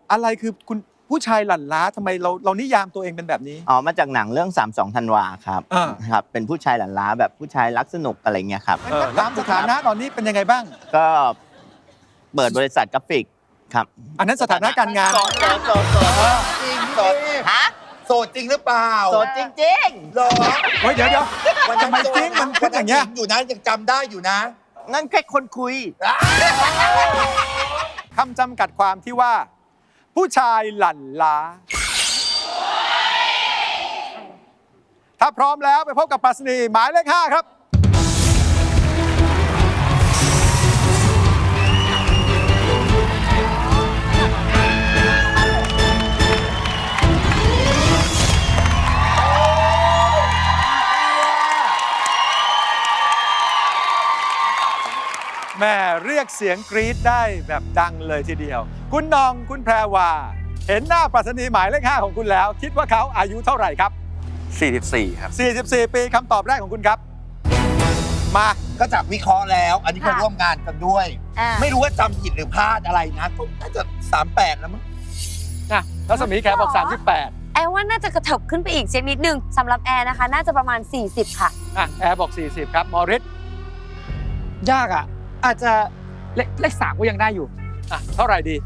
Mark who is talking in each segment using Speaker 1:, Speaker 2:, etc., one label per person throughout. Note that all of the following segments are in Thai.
Speaker 1: อะไรคือคุณผู้ชายหลั่นล้าทำไมเรานิยามตัวเองเป็นแบบนี้
Speaker 2: อ๋อมาจากหนังเรื่อง32ธันวาครับครับเป็นผู้ชายหลั่นล้าแบบผู้ชายรักสนุกอะไรเงี้ยครับ
Speaker 1: ถามสถานะตอนนี้เป็นยังไงบ้าง
Speaker 2: ก็เปิดบริษัทกราฟิกครับ
Speaker 1: อันนั้นสถานะการงาน
Speaker 3: โสดจริงโสดฮะโสดจริงหรือเปล่า
Speaker 2: โสดจริง
Speaker 3: ๆหรอ
Speaker 1: เฮ้ยเดี๋ยวทำไมจริงมันขึ้นอย่างเงี้ย
Speaker 3: อยู่นะยังจำได้อยู่นะ
Speaker 2: นั่นแค่คนคุย
Speaker 1: คำจำกัดความที่ว่าผู้ชายหลั่นล้าถ้าพร้อมแล้วไปพบกับปรัชนีหมายเลข 5ครับแม่เรียกเสียงกรี๊ดได้แบบดังเลยทีเดียวคุณนองคุณแพรวาเห็นหน้าปรัชนีหมายเลข 5ของคุณแล้วคิดว่าเขาอายุเท่าไหร่ครับ
Speaker 4: 44ครับ
Speaker 1: 44ปีคำตอบแรกของคุณครับมา
Speaker 3: ก็จากวิเคราะห์แล้วอันนี้ก็ร่วมงานกันด้วยไม่รู้ว่าจำผิดหรือพลาดอะไรนะก็น่าจะ38แล้วมั้ง
Speaker 1: นะรัศมีแขบอก38
Speaker 5: แอร์ว่าน่าจะกระเถิบขึ้นไปอีกนิดนึงสำหรับแอร์นะคะน่าจะประมาณ40ค่ะ
Speaker 1: แอร์บอก40ครับมอริส
Speaker 6: ยากอ่ะอาจจะเลข3ก็ยังได้อยู่
Speaker 1: เท่าไหร่ดี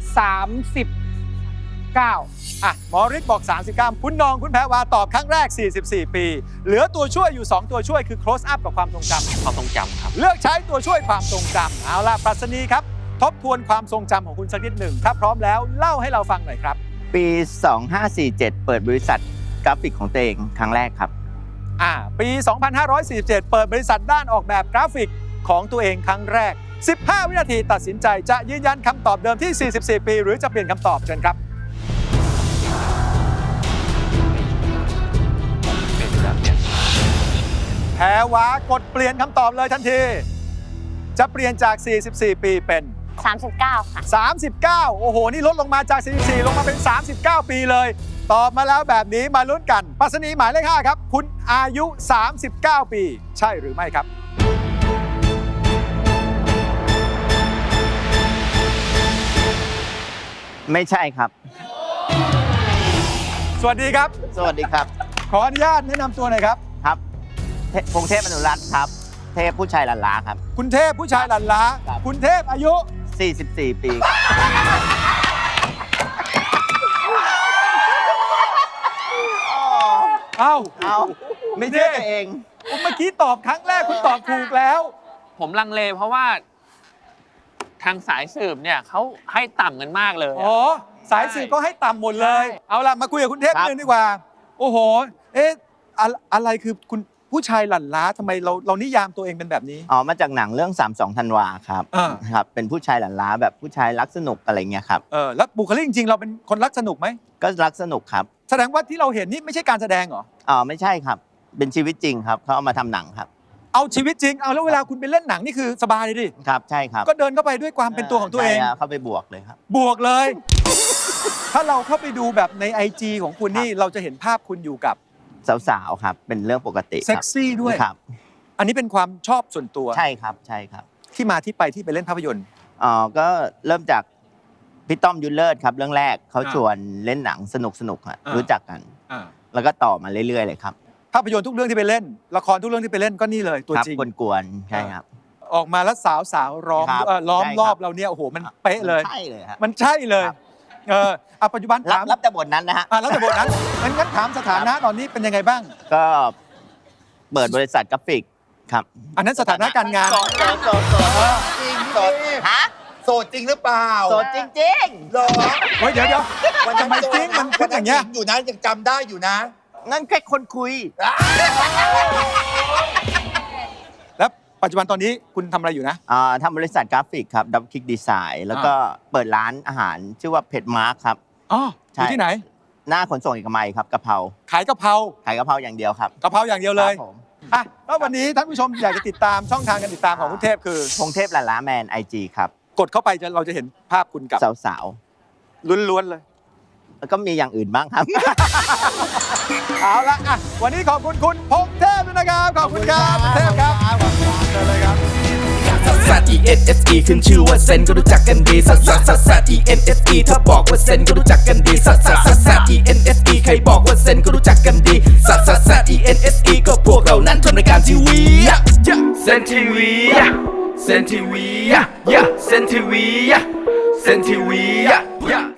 Speaker 6: 39
Speaker 1: มอริสบอก39คุณนองคุณแพรวาตอบครั้งแรก44ปีเหลือตัวช่วยอยู่2ตัวช่วยคือ close up กับความทรงจำ
Speaker 4: ครับ
Speaker 1: เลือกใช้ตัวช่วยความทรงจำเอาล่ะปรัชนีครับทบทวนความทรงจำของคุณสักนิดหนึ่งถ้าพร้อมแล้วเล่าให้เราฟังหน่อยครับ
Speaker 2: ปี2547เปิดบริษัทกราฟิกของตัวเองครั้งแรกครับ
Speaker 1: ปี2547เปิดบริษัทด้านออกแบบกราฟิกของตัวเองครั้งแรก15วินาทีตัดสินใจจะยืนยันคำตอบเดิมที่44ปีหรือจะเปลี่ยนคำตอบเชิญครับแพรวากดเปลี่ยนคำตอบเลยทันทีจะเปลี่ยนจาก44ปีเป็น
Speaker 5: 39ค่ะ
Speaker 1: 39โอ้โหนี่ลดลงมาจาก44ลงมาเป็น39ปีเลยตอบมาแล้วแบบนี้มาลุ้นกันปรัชนีหมายเลข 5ครับคุณอายุ39ปีใช่หรือไม่ครับ
Speaker 2: ไม่ใช่ครับ
Speaker 1: สวัสดีครับ
Speaker 2: สวัสดีครับ
Speaker 1: ขออนุญาตแนะนำตัวหน่อยครับ
Speaker 2: ครับพงเทพอนุรัตน์ครับเทพผู้ชายหลั่นล้าครับ
Speaker 1: คุณเทพผู้ชายหลั่นล้าคุณเทพอายุ
Speaker 2: 44ปี
Speaker 1: เอา
Speaker 2: ไม่เชื่อตัวเอง
Speaker 1: เมื่อกี้ตอบครั้งแรกคุณตอบถูกแล้ว
Speaker 4: ผมลังเลเพราะว่าทางสายสืบเนี่ยเขาให้ต่ำกันมากเลย
Speaker 1: สายสืบก็ให้ต่ำหมดเลยเอาล่ะมาคุยกับคุณเทพนิดนึงดีกว่าโอ้โหอะไรคือคุณผู้ชายหลั่นล้าทำไมเรานิยามตัวเองเป็นแบบนี้
Speaker 2: มาจากหนังเรื่อง32ธันวาครับครับเป็นผู้ชายหลั่นล้าแบบผู้ชายรักสนุกอะไรเงี้ยครับ
Speaker 1: แล้วบุคลิกจริงๆเราเป็นคนรักสนุกไหม
Speaker 2: ก็รักสนุกครับ
Speaker 1: แสดงว่าที่เราเห็นนี่ไม่ใช่การแสดงเหรอ
Speaker 2: ไม่ใช่ครับเป็นชีวิตจริงครับเขาเอามาทำหนังครับ
Speaker 1: เอาชีวิตจริงเอาแล้วเวลาคุณไปเล่นหนังนี่คือสบายเลยดิ
Speaker 2: ครับใช่ครับ
Speaker 1: ก็เดินเข้าไปด้วยความเป็นตัวของตัวเอง
Speaker 2: เข้าไปบวกเลยครับ
Speaker 1: บวกเลย ถ้าเราเข้าไปดูแบบใน IG ของคุณนี่เราจะเห็นภาพคุณอยู่กับ
Speaker 2: สาวๆครับเป็นเรื่องปกติ
Speaker 1: เซ็กซี่ด้วย
Speaker 2: ครับ
Speaker 1: อันนี้เป็นความชอบส่วนตัว
Speaker 2: ใช่ครับใช่ครับ
Speaker 1: ที่มาที่ไปที่ไปเล่นภาพยนตร์
Speaker 2: ก็เริ่มจากพี่ต้อมยุทธเลิศครับเรื่องแรกเขาชวนเล่นหนังสนุกๆรู้จักกันแล้วก็ต่อมาเรื่อยๆเลยครับ
Speaker 1: ภาพยนตร์ทุกเรื่องที่ไปเล่นละครทุกเรื่องที่ไปเล่นก็นี่เลยตัวจริง
Speaker 2: กวนๆใช่ครับ
Speaker 1: ออกมาแล้วสาวล้อมรอบเราเนี่ยโอ้โหมันเป๊ะเลย
Speaker 2: ใช่เลยครับ
Speaker 1: มันใช่เลยปัจจุบันถาม
Speaker 2: รับแต่บทนั้นนะฮะ
Speaker 1: รับแต่บทนั้นงั้นถามสถานะตอนนี้เป็นยังไงบ้าง
Speaker 2: ก็เปิดบริษัทกราฟิกครับ
Speaker 1: อันนั้นสถานะการงาน
Speaker 3: โสดจริงโสดฮะโสดจริงหรือเปล่า
Speaker 2: โสดจริง
Speaker 3: หรอ
Speaker 1: เฮ้ยเดี๋ยวทำไมจริงมันขึ้นอย่างเงี้ย
Speaker 3: อยู่นะยังจำได้อยู่นะ
Speaker 2: นั่นแค่คนคุย
Speaker 1: แล้วปัจจุบันตอนนี้คุณทำอะไรอยู่นะ
Speaker 2: ทำบริษัทกราฟิกครับดับคลิกดีไซน์แล้วก็เปิดร้านอาหารชื่อว่าเพจมาร์คครับ
Speaker 1: อยู่ที่ไหน
Speaker 2: หน้าขนส่งเอกมัยครับกะเพรา
Speaker 1: ขายกะเพรา
Speaker 2: อย่างเดียวครับ
Speaker 1: กะเพราอย่างเดียวเลยแล้ววันนี้ท่านผู้ชมอยากจะติดตามช่องทางการติดตามของคุณเทพคือ
Speaker 2: พงเทพหลั่นล้าแมน IG ครับ
Speaker 1: กดเข้าไปเราจะเห็นภาพคุณกับ
Speaker 2: สาว
Speaker 1: ๆล้วนๆเลย
Speaker 2: แล้วก็มีอย่างอื่นบ้างครับ
Speaker 1: เอาละวันนี้ขอบคุณคุณพงเทพด้วยนะครับขอบคุณครับเทพครับเชิญเลยครับ
Speaker 7: ซัสซัส E N S E ขึ้นชื่อว่าเซนก็รู้จักกันดีซัสซัสซัสซัส E N S E ถ้าบอกว่าเซนก็รู้จักกันดีซัสซัสซัสซัส E N S E ใครบอกว่าเซนก็รู้จักกันดีซัสซัสซัส E N S E ก็พวกเรานั้นทำรายการทีวีเซนทีวีเซนทีวีเซนทีวีเซนทีวี